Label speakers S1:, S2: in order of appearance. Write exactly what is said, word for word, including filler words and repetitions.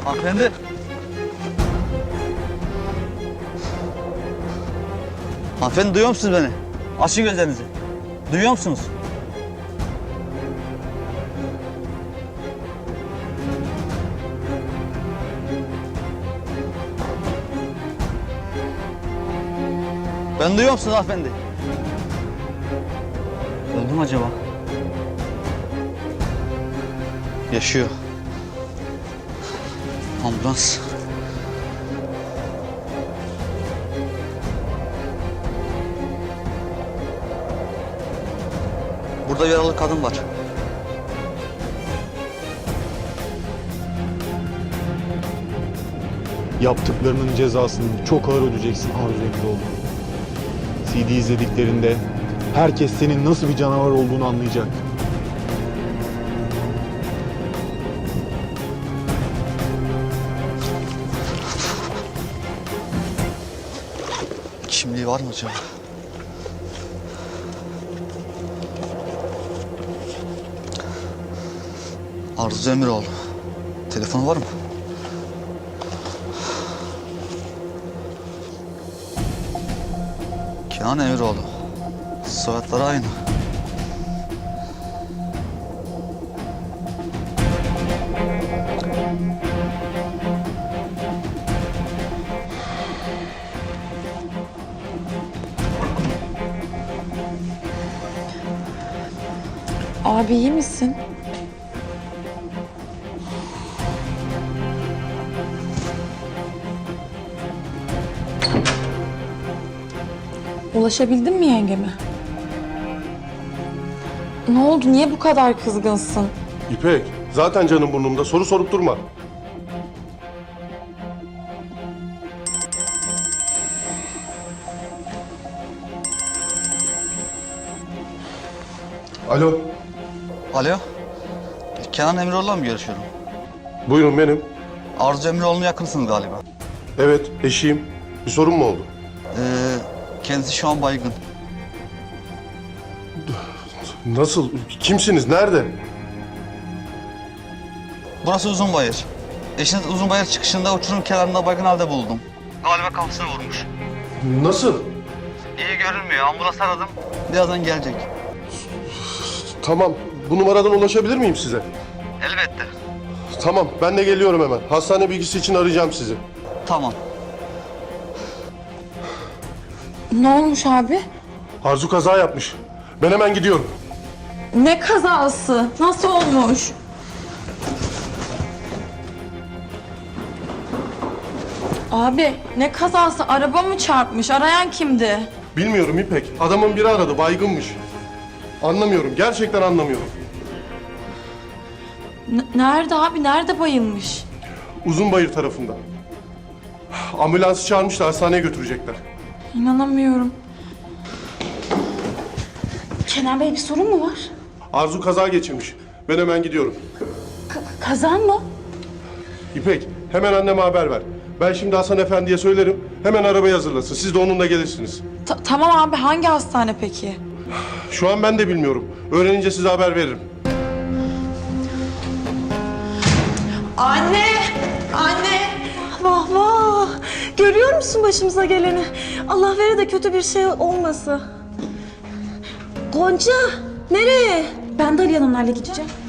S1: Hanımefendi. Hanımefendi duyuyor musunuz beni? Açın gözlerinizi. Duyuyor musunuz? Ben duyuyor musunuz hanımefendi? Öldü mü acaba? Yaşıyor. Ambulans. Burada bir yaralı kadın var.
S2: Yaptıklarının cezasını çok ağır ödeyeceksin Arzu Emiroğlu. C D izlediklerinde herkes senin nasıl bir canavar olduğunu anlayacak.
S1: Kimliği var mı acaba? Arzu Emiroğlu. Telefonu var mı? Kenan Emiroğlu. Soyadları aynı.
S3: Abi iyi misin? Ulaşabildin mi yengeme? Ne oldu? Niye bu kadar kızgınsın?
S4: İpek, zaten canım burnumda. Soru sorup durma. Alo,
S1: Alo. Kenan Emiroğlu'la mı görüşüyorum?
S4: buyurun benim.
S1: Arzu Emiroğlu'na yakınsınız galiba.
S4: Evet, eşiyim. Bir sorun mu oldu?
S1: Ee, kendisi şu an baygın.
S4: Nasıl? Kimsiniz? Nerede?
S1: Burası Uzunbayır. Eşiniz Uzunbayır çıkışında uçurum kenarında baygın halde buldum. Galiba kafasını vurmuş.
S4: Nasıl?
S1: İyi görünmüyor. Ambulans aradım. Birazdan gelecek.
S4: Tamam, bu numaradan ulaşabilir miyim size?
S1: Elbette.
S4: Tamam, ben de geliyorum hemen. Hastane bilgisi için arayacağım sizi.
S1: Tamam.
S3: Ne olmuş abi?
S4: Arzu kaza yapmış. Ben hemen gidiyorum.
S3: Ne kazası? Nasıl olmuş? Abi ne kazası? Araba mı çarpmış? Arayan kimdi?
S4: Bilmiyorum İpek. Adamın biri aradı, baygınmış. Anlamıyorum, gerçekten anlamıyorum.
S3: N- nerede abi? Nerede bayılmış?
S4: Uzunbayır tarafında. Ambulansı çağırmışlar, hastaneye götürecekler.
S3: İnanamıyorum. Kenan Bey bir sorun mu var?
S4: Arzu kaza geçirmiş. Ben hemen gidiyorum.
S3: Kaza mı?
S4: İpek, hemen anneme haber ver. Ben şimdi Hasan Efendi'ye söylerim. Hemen arabayı hazırlasın. Siz de onunla gelirsiniz.
S3: Ta- tamam abi hangi hastane peki?
S4: Şu an ben de bilmiyorum. Öğrenince size haber veririm.
S5: Anne! Anne! Vah vah! Görüyor musun başımıza geleni? Allah vere de kötü bir şey olmasın. Gonca! Nereye? Ben de Ali Hanımlarla gideceğim.